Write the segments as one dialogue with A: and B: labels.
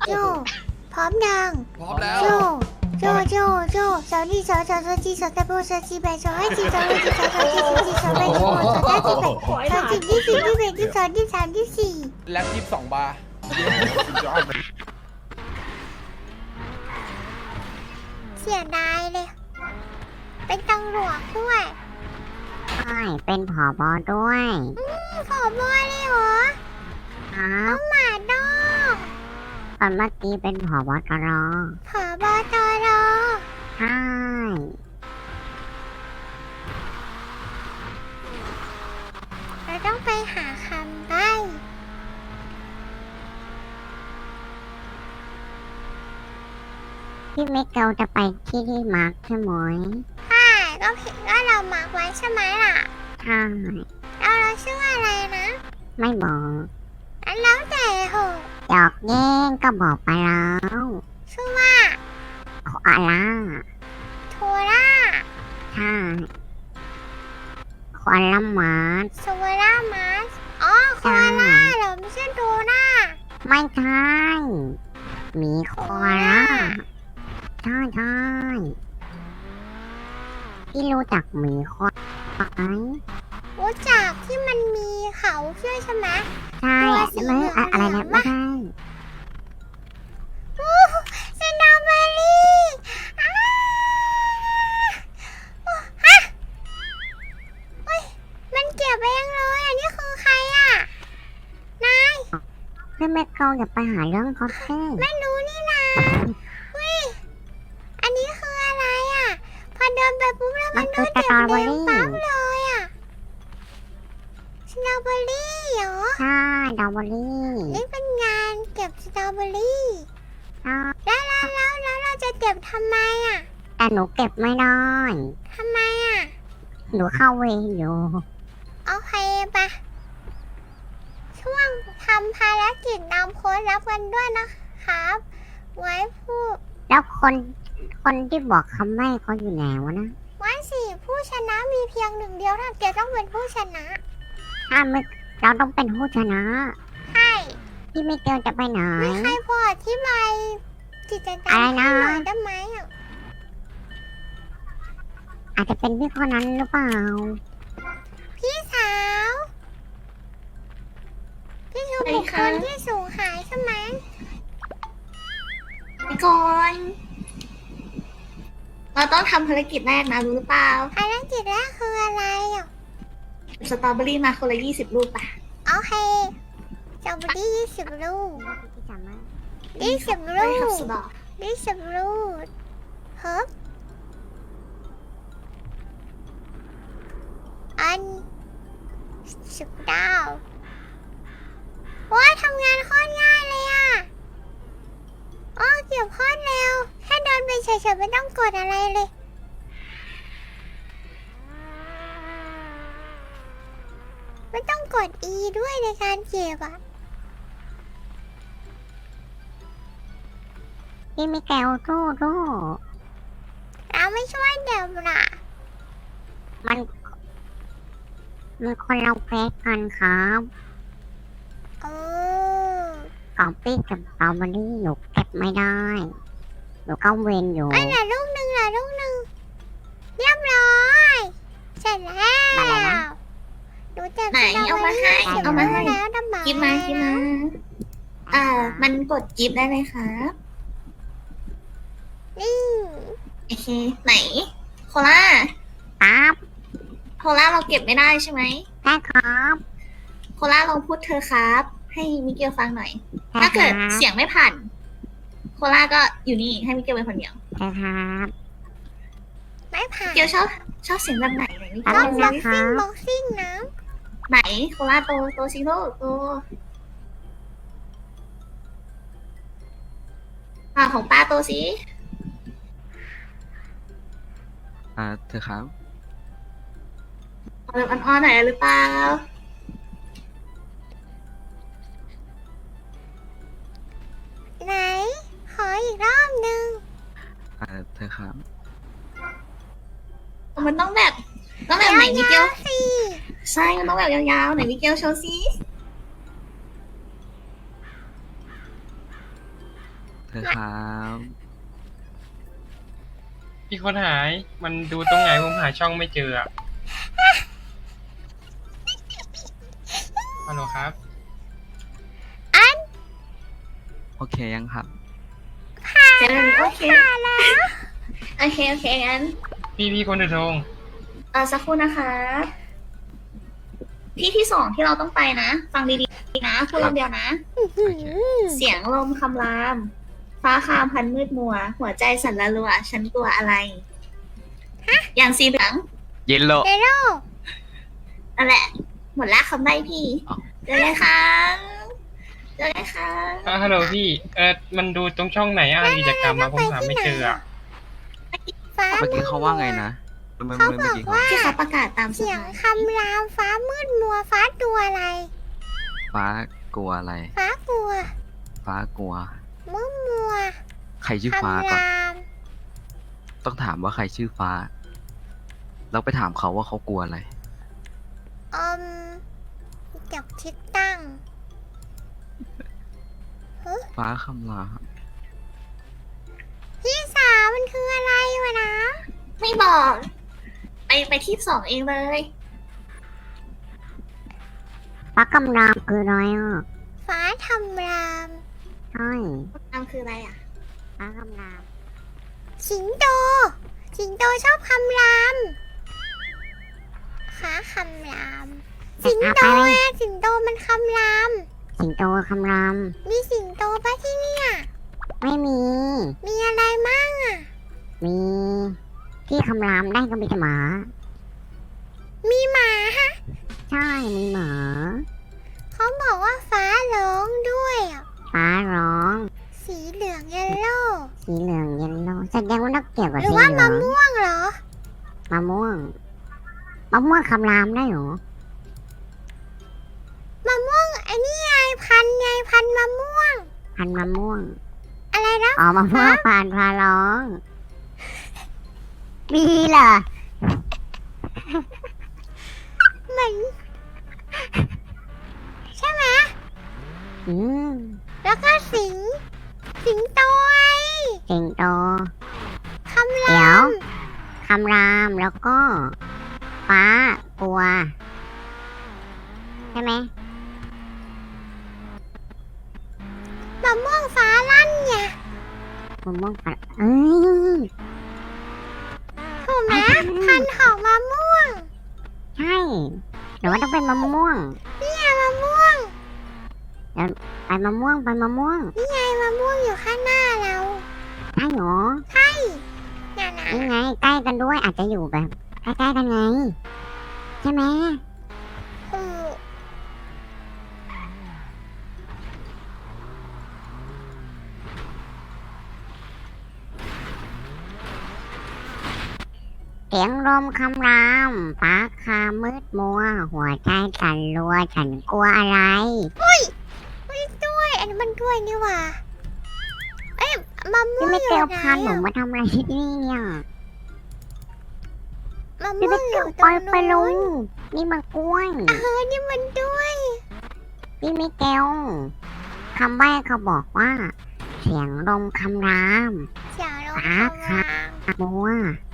A: โจพร้อมยัง
B: พร้อมแล้ว
A: โจสาวนี่สาวจีสาวตะโบสาวจีแบสาวไอจีสาวไอจีสาวจีสาวจีสาวแบสาวสาวจีแบสาวจีที่สี่ที่แบที่สองที่สามที่สี่
B: แล็บ22 บาร์
A: เสียดายเลย เป็นตำรวจด้วย
C: ใช่เป็นผอบอด้วย
A: ผอบอเลยเหรอ
C: ครับ
A: หมาดอก
C: ตอนเมื่อกี้เป็นผอบอตร
A: ผอบอตอรอ
C: ใช่
A: เราต้องไปหาคำใบ้
C: พี่มิเกลจะไปที่มาร์คใช่ไหม
A: ใช่ก็ผิดก็เรามาร์กไว้ใช่ไหมล่ะ
C: ใช่
A: เราชื่ออะไรนะ
C: ไม่บอก
A: อันแล้วแต่เหอะ
C: หยอกแย่งก็บอกไปแล้ว
A: ชื่อว่า
C: โคอาล่า
A: โทล่า
C: ใช่โคอาล่ามาร์ค
A: โซล่ามาสอ๋อโคอาล่าเหรอไม่ใช่โดน่า
C: ไม่ใช่หมีโคอาล่าใช่ใช่พี่รู้จักหมีโคอาล่าไหม
A: รู้จักที่มันมีเขาชื่อใช่ไหม
C: ใช่
A: ตัวสี
C: ไม่
A: เหลือง
C: อะไรนะ
A: เหลือง
C: ไม่ใช่
A: อู้สตรอเบอรี่อ้าฮะเฮ้ยมันเก็บเองเลยอันนี้คือใครอ่ะ นาย
C: พี่มิเกลอย่าไปหาเรื่องเขาสิ
A: ไม่รู้นี่นะเฮ้ยอันนี้คืออะไรอ่ะ พอเดินไปปุ๊บแล้วมัน
C: คือ
A: ก็
C: ส
A: เก็บ
C: ตรอเบอ
A: เรียง
C: รี่
A: ปั๊บเลยอ่ะสตรอเบอรี่เหรอ
C: ใช่ดาวเบอรี่
A: นี่เป็นงานเก็บสตรอเบอรี่
C: ใช่
A: แล้วเราจะเก็บทำไมอ่ะ
C: แต่หนูเก็บไม่ได้
A: ทำไมอ่ะ
C: หนูเข้าเวรอยู่
A: โอเคปะช่วงทำภารกิจนำโค้ดรับกันด้วยนะครับ ไว้ผู้
C: แล้วคนที่บอกคำไม่เขาอยู่ไหนวะนะ
A: ไว้สี่ผู้ชนะมีเพียงหนึ่งเดียวถ้าแกต้องเป็นผู้ชนะ
C: ถ้าไม่เราต้องเป็นผู้ชนะ
A: ใช่
C: พี่มิเกลจะไปไหน
A: มีใครพออธิบายกิจกรรม
C: อะไรนะ
A: ให้หน่อยได้ไหมอ่ะ
C: อาจจะเป็นพี่คนนั้นหรือเปล่า
A: พี่สาว พี่คือบุคคลที่สูญหายใช่ไหม
D: ไปก่อนเราต้องทำภารกิจแรกนะรู้หรือเปล่า
A: ภารกิจแรกคืออะไรอ่ะ
D: สตรอเบอรี่มาคนละ20 ลูกป่ะ
A: โอเคจะไปที่20 ลูก
C: พี่จำไหม
A: 20
D: ไป
A: ลู
D: ครับ
A: ก
D: สดอ
A: 20 ลูกเฮ้ยอัน19ว้าทำงานโคตรง่ายเลยอ่ะโอ้เก็บโคตรเร็วแค่เดินไปเฉยๆไม่ต้องกดอะไรเลย ไม่ต้องกด E ด้วยในการเก็บอ่ะ
C: พี่มิเกลสู้
A: เราไม่ช่วยเดี๋ยวนะ
C: มันคนเราเฟซกันครับ
A: โอ้
C: กอปปี้กับสตรอเบอรี่หนูเก็บไม่ได้ หนูเข้าเวรอยู่
A: อันละลูกหนึ่งละลูกหนึ่งเรียบร้อย เสร็จแล้ว
C: อะไรนะ
A: หนูเจ็บ
D: ไหนเอามาให้
A: สตร
D: เอามาให้
A: บรี่แล้วดำบ
D: กิฟมากิฟมามันกดกิฟได้เลยครับ
A: นี่
D: โอเค ไหน โคล่า
C: ครับ
D: โคล่าเราเก็บไม่ได้ใช่ไหม
C: ได้ครับ
D: โคล่าลองพูดเธอครับ ให้มิเกลฟังหน่อย
C: ได้
D: ถ้าเกิด
C: ครับ
D: เสียงไม่ผ่าน โคล่าก็อยู่นี่ให้มิเกลเป็นคนเดียว
C: ได้ครับ
A: ไม่ผ่าน
D: มิเกลชอบเสียงแบบไหนไหนมิเก
A: ต้
D: ล
A: อง
C: แป๊
A: บ็
C: บ
A: อก
C: นึ
A: ซิ่ง
C: งนะคะ
A: บ็อกซิ่งนะ
D: ไหนโคล่าโตซิโร่โตของป้าโตสิ
B: เธอครับ
D: เอาแบบอ่อนๆหน่อยหรือเปล่า
A: ไหน ขออีกรอบหนึ่ง
B: เธอครับ
D: มันต้องแบบไหนมิเกล
A: ยาวๆสิ
D: ใช่มันต้องแบบยาวๆไหนมิเกลโชว์ซิ
B: อครับ
E: พี่คนหาย มันดูตรงไหนผมหาช่องไม่เจออะฮัลโหลครับ
B: โอเคยังครับ
D: เจอโอเคโอเคโอเคงั้น
E: พี่คนถือธง
D: สักครู่นะคะที่สองที่เราต้องไปนะ ฟังดีๆนะพูดรอบเดียวนะ เสียงลมคำราม ฟ้าคามพันมืดมัว หัวใจสั่นละลัว ฉันกลัวอะไร อย่างสีเหลือง
B: เย็นโล
A: เดโร่
D: นั่นแหละ หมดละคำใบ้พี่
B: อ้าว
D: เจอเลยค่ะเจอเลยค่ะ
E: ฮัลโหลพี่ มันดูตรงช่องไหนอ่ะกิจกรรมมาผมหาไม่เจออ่ะ
A: ฟ้า
B: เมื่อกี้เขาว่าไงนะเมื่อกี้เขา
D: ที่เขาประกาศตามสุด
A: เสียง
D: ท้าย
A: คำรามฟ้ามืดมัวฟ้าตัวอะไร
B: ฟ้ากลัวอะไร
A: ฟ้ากลัว
B: ฟ้ากลัว
A: มืดมัว
B: ใครชื่อฟ้า
A: คำ
B: ก่อน
A: ราม
B: ต้องถามว่าใครชื่อฟ้า แล้วไปถามเขาว่าเขากลัวอะไร
A: จับทิศตั้ง
B: ฟ้าคำราม
A: พี่สาวมันคืออะไรวะนะ
D: ไม่บอก ไปที่สองเองเลย
C: ฟ้ากำลังคืออะไรอ่ะ
A: ฟ้าทำราม
C: ใช่
D: นำคืออะไรอ่ะ
C: ฟ้ากำลัง
A: สิงโต สิงโตชอบคำรามฟ้าคำราม สิงโตอะสิงโตมันคำราม
C: สิงโตคำราม
A: มีสิงโตปะที่เนี่ย
C: ไม่มี
A: มีอะไรมั่งอ่ะ
C: มีที่คำรามได้ก็มีแต่หมา
A: มีหมาฮะ
C: ใช่มีหมา
A: เขาบอกว่าฟ้าร้องด้วยอ่ะ
C: ฟ้าร้อง
A: สีเหลืองเยลโล่
C: สีเหลืองเยลโล่แสดงว่าต้องเกี่ยวกับ
A: หรือ
C: สี
A: ว่า
C: เหลื
A: มะ
C: อง
A: ม่วงเหรอ
C: มะม่วงมะม่วงคำรามได้เหรอ
A: มะม่วงไอ้นี่ไงพันธุ์มะม่วง
C: พันธุ์มะม่วง
A: อะไรนะ
C: อ๋อมะม่วงผ่านพาร้องมีเหรอ
A: เหมือนใช่ไหม
C: อืม
A: แล้วก็สิงโตไอ
C: สิงโต
A: คำ
C: เดี๋
A: ราย
C: ว
A: ม
C: คำรามแล้วก็ ฟ้ากลัว ใช่ไหม
A: มะม่วงฟ้าลั่นไง
C: มะม่วงฝันเอ้ย
A: ถูกไหมพันธุ์ของมะม่วง
C: ใช่หรือว่าต้องเป็นมะม่วง
A: นี่ไงมะม่วง
C: ไปมะม่วงไปมะม่วง
A: นี่ไงมะม่วงอยู่ข้างหน้าเรา
C: ใช่เหรอ
A: ใช่น่ะนะ
C: นี่ไงใกล้กันด้วยอาจจะอยู่แบบใกล้ๆกันไง ใช่ไหม
A: อือ
C: เสียงลมคำรามฟ้าคามืดมัว หัวใจสั่นรัว ฉันกลัวอะไร
A: ไม่ด้วยอันนี้มันด้วยนี่หว่าเอ้ยมะม่ว
C: พี่
A: ง
C: ไม่
A: อยู่
C: เกลียว
A: ไหน
C: พันหนู
A: อะ
C: มาทำอะไรที่นี่เนี่ย
A: มะ
C: พี่
A: ม่ว
C: ไม่
A: งอ
C: เกลีย
A: ยู่
C: ว
A: ต
C: ป
A: ร
C: ล่อย
A: ง
C: ไปลุ
A: นู้น
C: งนี่มันกล้วย
A: นี่มันด้วย
C: พี่ไม่เกลียวคำใบ้เขาบอกว่า เสียงลมคำราม
A: เสียงลม
C: ฟ้า
A: คำ
C: ค่ะ
A: ราม
C: มัว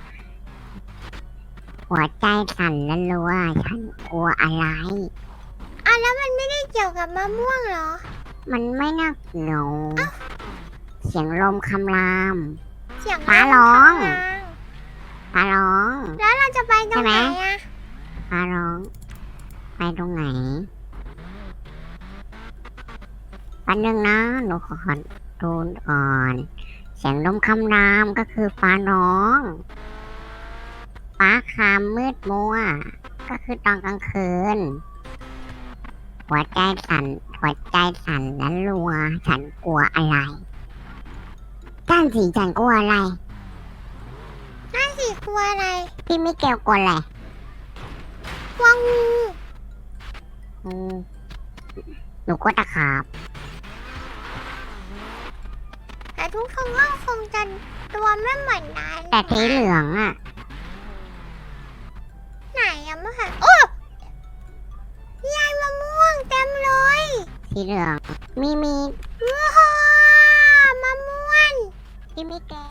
C: หัวใจสั่นและรัว ฉันกลัวอะไร
A: อ่ะแล้วมันไม่ได้เกี่ยวกับมะม่วงเหรอ
C: มันไม่น่าเกี่ยวเสียงลมคำราม
A: เสียง
C: ฟ้าร้อง
A: คำราม
C: ฟ้าร้อง
A: แล้วเราจะไปตรงไหน
C: ใช่ไหม
A: อะ
C: ฟ้าร้อง ไปตรงไหนวันหนึ่งนะหนูขอดูก่อน เสียงลมคำรามก็คือฟ้าร้อง ฟ้าคามมืดมัว ก็คือตอนกลางคืน หัวใจสั่นและรัว ฉันกลัวอะไรจ้านสีฉันกลัวอะไร
A: นั่นสิกลัวอะไร
C: พี่มิเกลกลัวอะไร
A: กลัวงู
C: อืมหนูกลัวตะขาบ
A: แต่ทุกคนก็คงจะตัวไม่เหมือนกัน
C: แต่สีเหลืองอ่ะ
A: ไหนอะมะค่ะโอ้ยายมะม่วงเต็มเลย
C: สีเหลือง มี
A: ว้าวมะม่ว
C: พี่มิเกล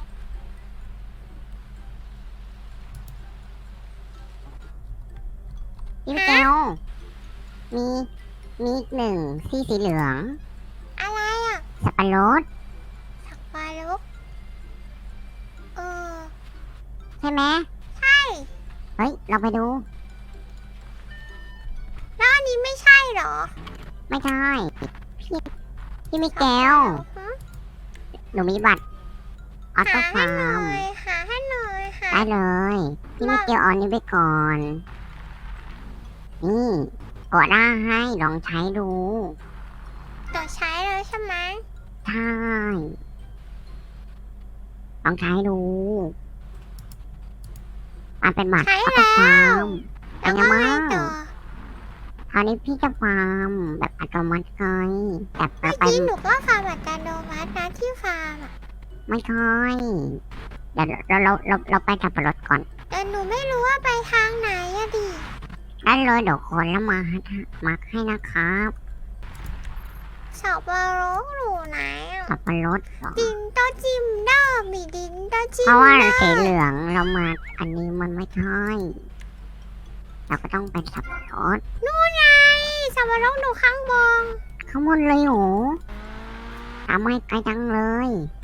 C: พี่มิเกลมีมีอีกหนึ่งที่สีเหลือง
A: อะไรอ่ะ
C: สับปะรด
A: สักปาลุกเออ
C: ใช่ไหม
A: ใช่
C: เฮ้ย เราไปดู
A: แล้วอันนี้ไม่ใช่เหรอ
C: ไม่ใช่ พี่มิเกล
A: ฮะ
C: หนูมีบัตรออโต้
A: หา
C: ฟา
A: ให้หน่
C: ร์
A: อ
C: ม
A: ยหาให้หน่อยหา
C: ได้เลย พี่มิเกลเอาอันนี้ไปก่อน นี่กดได้ให้ลองใช้ดู
A: ต่อใช้แล้วใช่ไหม
C: ใช่ ลองใช้ดูมันเป็นบัตรออโต้ฟาร์มเป็
A: แล้
C: น
A: ว
C: ไง
A: ก็
C: บ้า
A: ให้
C: ง
A: ต่อ
C: คราวนี้พี่จะฟาร์มแบบอัตโนมัติไงแต่
A: เมื่อ
C: ไป
A: กี้หนูก็ฟาร์มอัตโนมัตินะที่ฟาร์มอ่ะ
C: ไม่ใช่เดี๋ยวเราไปสับปะรดก่อน
A: แต่หนูไม่รู้ว่าไปทางไหนอะดิ
C: ได้เลยเดี๋ยวคนแล้วมาให้นะครับ
A: สับปะรดหนูไหนอะ
C: สับปะรดเหรอ
A: ดินโตจิมเดอร์มีดินโตจิม
C: เพราะว่า
A: เดอ
C: สี
A: ร์
C: เหลืองเรามาอันนี้มันไม่ใช่เราก็ต้องไปสับปะรด
A: นู่นไงสับปะรดหนูข้างบน
C: ข้างบนเลยโหทำไมไกลจังเลย